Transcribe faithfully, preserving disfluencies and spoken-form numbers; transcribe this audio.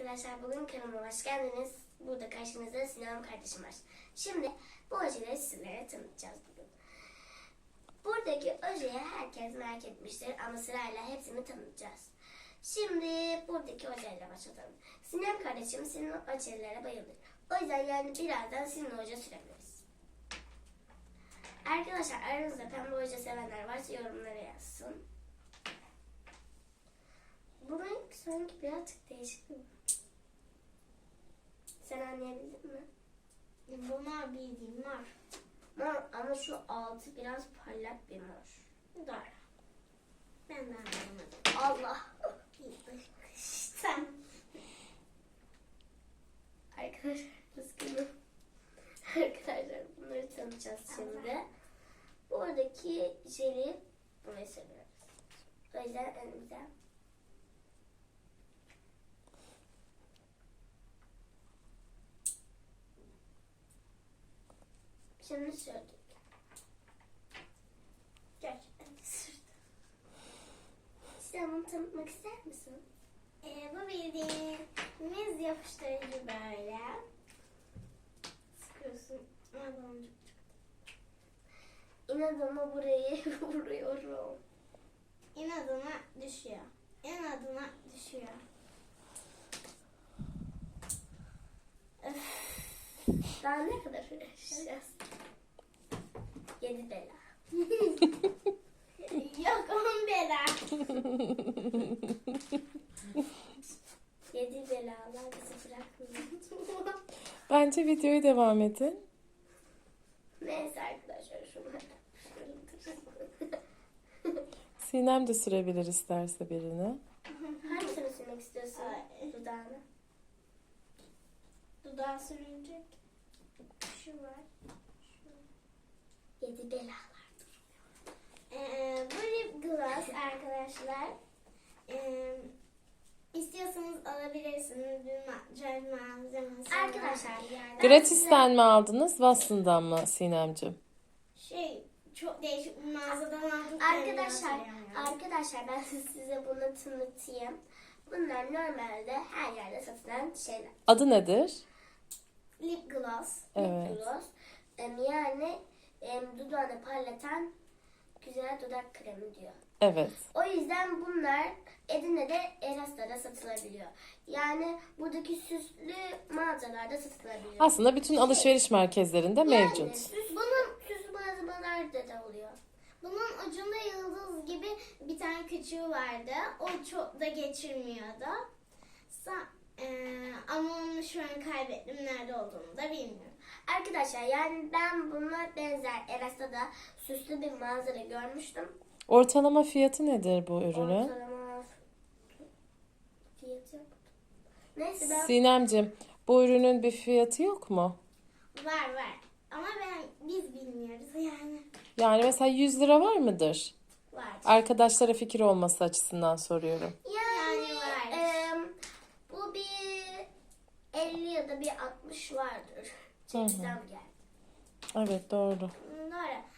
arkadaşlar, bugün kanalıma hoş geldiniz. Burada karşınızda Sinem kardeşim var. Şimdi bu ojeleri sizlere tanıtacağız bugün. Buradaki ojeyi herkes merak etmiştir ama sırayla hepsini tanıtacağız. Şimdi buradaki ojeyle başlayalım. Sinem kardeşim senin ojelere bayılır. O yüzden yani birazdan senin oje sürebiliriz. Arkadaşlar, aranızda pembe oje sevenler varsa yorumlara yazsın. Bu renk sanki birazcık değişik mi? Sen anlayabildin mi? Bunlar bildiğim var. Mor ama şu altı biraz parlak bir mor. Doğru. Ben de anlamadım. Allah! Sen. Arkadaşlar, üzgünüm. Arkadaşlar, bunları tanıtacağız şimdi. Buradaki jeli buraya seviyoruz. O yüzden önümüze. Şimdi sürdük. Gerçekten sürdüm. Sen bunu tanıtmak ister misin? Ee, bu bildiğimiz yapıştırıcı böyle. Sıkıyorsun. Aa, İnadına burayı vuruyorum. İnadına düşüyor. İnadına düşüyor. Öf. Daha ne kadar uğraşacağız? Yedi bela. Yok on bela. Yedi belalar bizi bırakmıyor. Bence videoya devam edin. Neyse arkadaşlar, şunu Sinem de sürebilir isterse birini. hangisini sürmek istiyorsun? Ay. Dudağını. Dudağı sürünecek. Şu var. Yedi belalar. Ee, bu lip gloss arkadaşlar. Ee, istiyorsanız alabilirsiniz. Bir makyaj malzemesi. Arkadaşlar, yani. Gratisten mi aldınız, Watson'dan mı Sinemciğim? Şey, çok değişik bir mağazadan aldım. Arkadaşlar, arkadaşlar ben size bunu tanıtayım. Bunlar normalde her yerde satılan şeyler. Adı nedir? Lip gloss. Evet. Lip gloss. Em, Yani em, dudağını parlatan güzel dudak kremi diyor. Evet. O yüzden bunlar Edirne'de Eras'ta satılabiliyor. Yani buradaki süslü mağazalarda satılabiliyor. Aslında bütün alışveriş merkezlerinde Yani mevcut. süs, bunun süslü mağazalarda da oluyor. Bunun ucunda yıldız gibi bir tane küçüğü vardı. O çok da geçirmiyordu. Sa- eee, ama onu şu an kaybettim. Nerede olduğunu da bilmiyorum. Arkadaşlar, yani ben bununla benzer Eras'ta da süslü bir mağazada görmüştüm. Ortalama fiyatı nedir bu ürünün? Ortalama fiyatı yok. Neyse ben Sinemciğim, bu ürünün bir fiyatı yok mu? Var var. Ama ben biz bilmiyoruz yani. Yani mesela yüz lira var mıdır? Var. Arkadaşlara fikir olması açısından soruyorum. yani, Yani var. em, bu bir elli ya da bir altmış vardır. Çekizden geldi. Evet, doğru. Doğru.